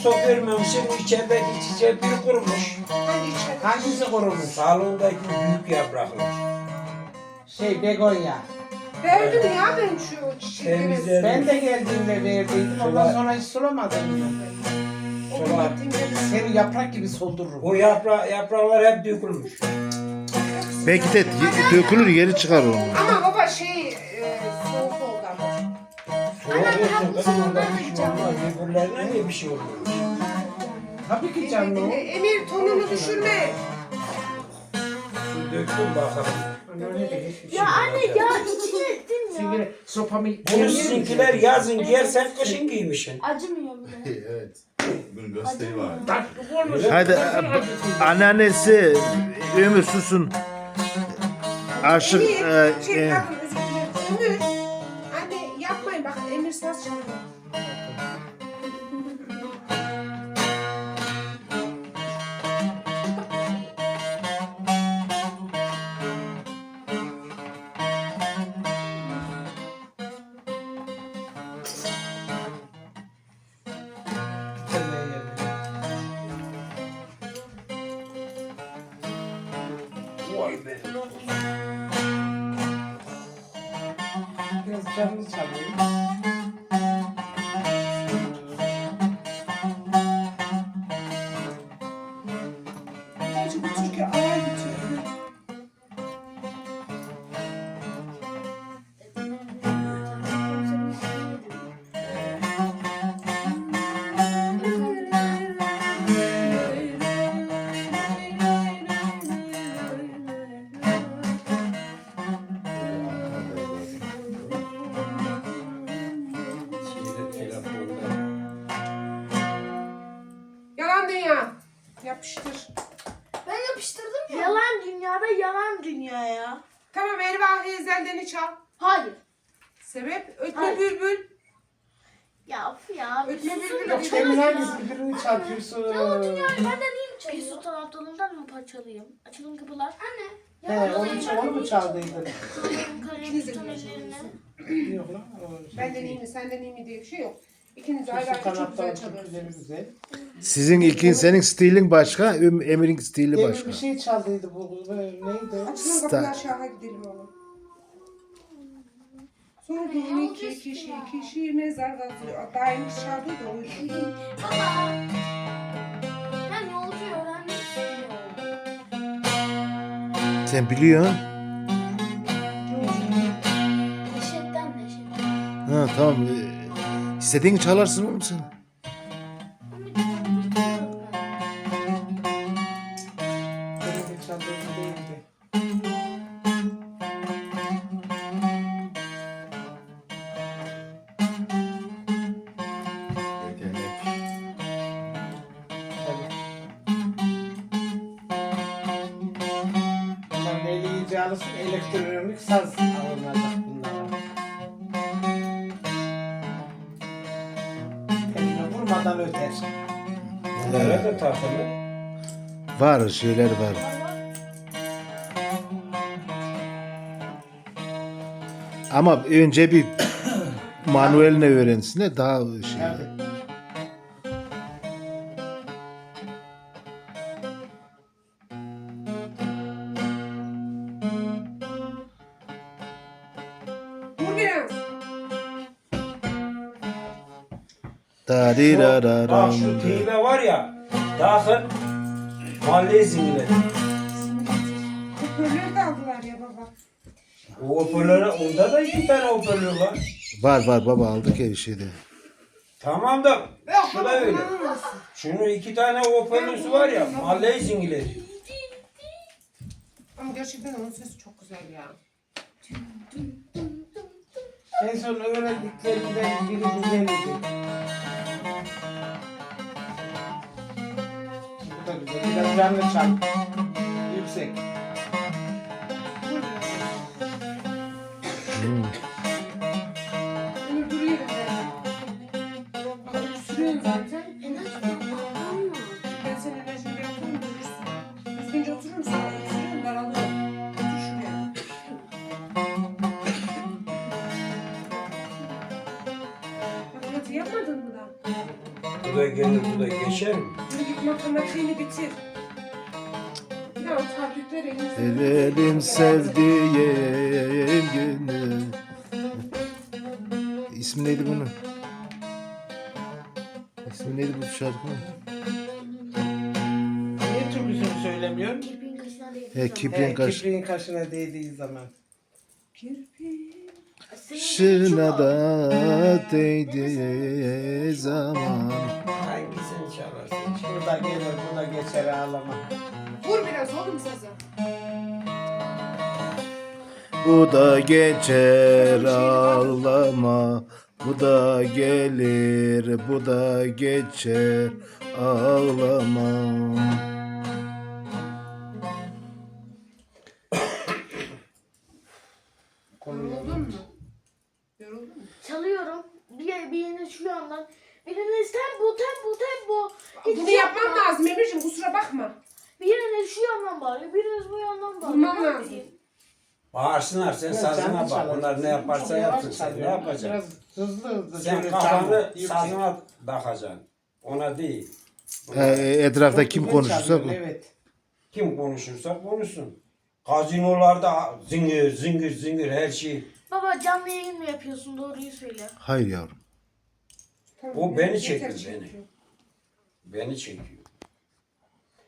stop vermemişsin, içerideki çiçek biri kurumuş. Hangi içeri? Hangisi kurumuş? Salondaki büyük yapraklar. Begonya. Verdim ya ben şu çiçekleri. Temizledim. Ben de geldiğimde verdiydim. Ondan sonra hiç sulamadım. Onu Sola. gittiğimde Seni yaprak gibi soldururum. O yapraklar hep dökülmüş. Belki de dökülür geri çıkar onu. Ama baba soğuk oldu ama. Soğuk olsun kızım, onda bir şey olmaz. Öbürlerine niye bir şey olmuyor? Tabii ki canlı o. Emir tonunu düşürme. Su döktüm bakalım. Öyle de hiçbir şey Ya yok. anne ya içine ettin ya. Şimdi sopamı... Bunu sizinkiler yazın giyersen kışın giymişsin. Acımıyor bile. Evet. Bunun gösteri var. Bak bu olmuş. Hadi anneannesi Ömür susun. Aşık Emir, pardon özür dilerim. Ömür. Anne yapmayın bak Emir saz çalıyor. Vay be. Biraz canlı çalıyor. Gerçi bu türkü ağır bir türkü. Yalan dünya. Yapıştır. Ben yapıştırdım ya. Yalan dünyada yalan dünya ya. Tamam Ervah Ezel'deni çal. Hayır. Sebep ötme Hayır. bülbül. Ya of ya. Ötme Bir susun bülbül. da ötme çalın Demin ya. hangisi birini çarpıyorsun? Yalan dünyayı benden iyi mi çalıyor? Bir sultan aptalından mı parçalayayım? Açılın kapılar. Anne. He, onu mu çaldıydın? Kalemi tutan ellerine. Yok lan. Benden iyi mi senden iyi mi diye bir şey yok. İkiniz ayrı ayrı Sultan çok Abdal'ın güzel türküleri çalıyorsunuz. güzel. Sizin senin stilin başka, Emir'in stili Demin başka. bir şey çaldıydı bu. Neydi? Açılın kapılar aşağı gidelim oğlum. Sordum iki kişi mezar kazıyor. Daha yeni çaldı da oydu. Baba. Ben yolcu öğrenmek istiyorum. Sen biliyorsun. Neşetten neşetten. Ha tamam. İstediğini çalarsın oğlum sen. Demin çaldıydı değildi. Yetenek. Bunlar neyle iyice alışsın? Elektronik saz alınacak bunlara. Eline vurmadan öter. Bunlara da takılı. Var şeyler var. Ama önce bir manueline öğrensin de daha şey. Yani. Dur biraz. Da di da da Bak da. şu teybe var ya, dahil mahalle zingileri. Hoparlör de aldılar ya baba. O hoparlöre, onda da 2 tane hoparlör var. Var baba aldık ya bir şeyde. Tamam da Yok şu baba da öyle. kullanamazsın. Şunun 2 tane hoparlörü var ya, mahalle zingileri. Ama gerçekten onun sesi çok güzel ya. En son öğrendiklerinden biri güzeldi. Bu da güzel. Biraz canlı çal. Yüksek. Ömür duruyor ben. Ama sürüyorsun zaten. Ben senin enerjini yapıyorum durursun. Düzgünce oturur musun? Oturuyorum daralıyorum. Otur şuraya. Matematiği yapmadın mı da? Bu da gelir, bu da geçer mi? Yürü git matematiğini bitir. Ya o tabletler elinizde. El elim sevdiğim günü. İsmi neydi bunun? İsmi neydi bu şarkının? Niye türküsünü söylemiyorsun? Kirpiğin kaşına değdi. Kipling kaş. Kipriğin kaşına değdiği zaman. Kirpi. Şına da değdiği zaman. Hangisini çalarsın? Şurada gelir, bu da geçer ağlama. Vur biraz oğlum sazı. Bu da geçer ağlama. Bu da gelir, bu da geçer ağlama. Yoruldun mu? Yoruldun mu? Çalıyorum. Biriniz şu yandan. Biriniz tempo. Hiç Bunu şey yapmam yapma. lazım Emir'cim kusura bakma. Biriniz şu yandan bağırıyor. Biriniz bu yandan bağırıyor. Vurmam Ne lazım. yapayım? Bağırsınlar, sen sazına bak. Bunlar ne yaparsa yapsın, sen ne yapacaksın? Biraz hızlı Sen şöyle kafanı çalma, yüksek. sazına takacaksın. Ona değil. Etrafta Çok kim güzel konuşursa çalıyorsun, evet. Kim konuşursa konuşsun. Gazinolarda zingir her şey. Baba canlı yayın mı yapıyorsun? Doğruyu söyle. hayır yavrum. Tamam, O beni yeter çekiyor, çekiyor. beni. Beni çekiyor.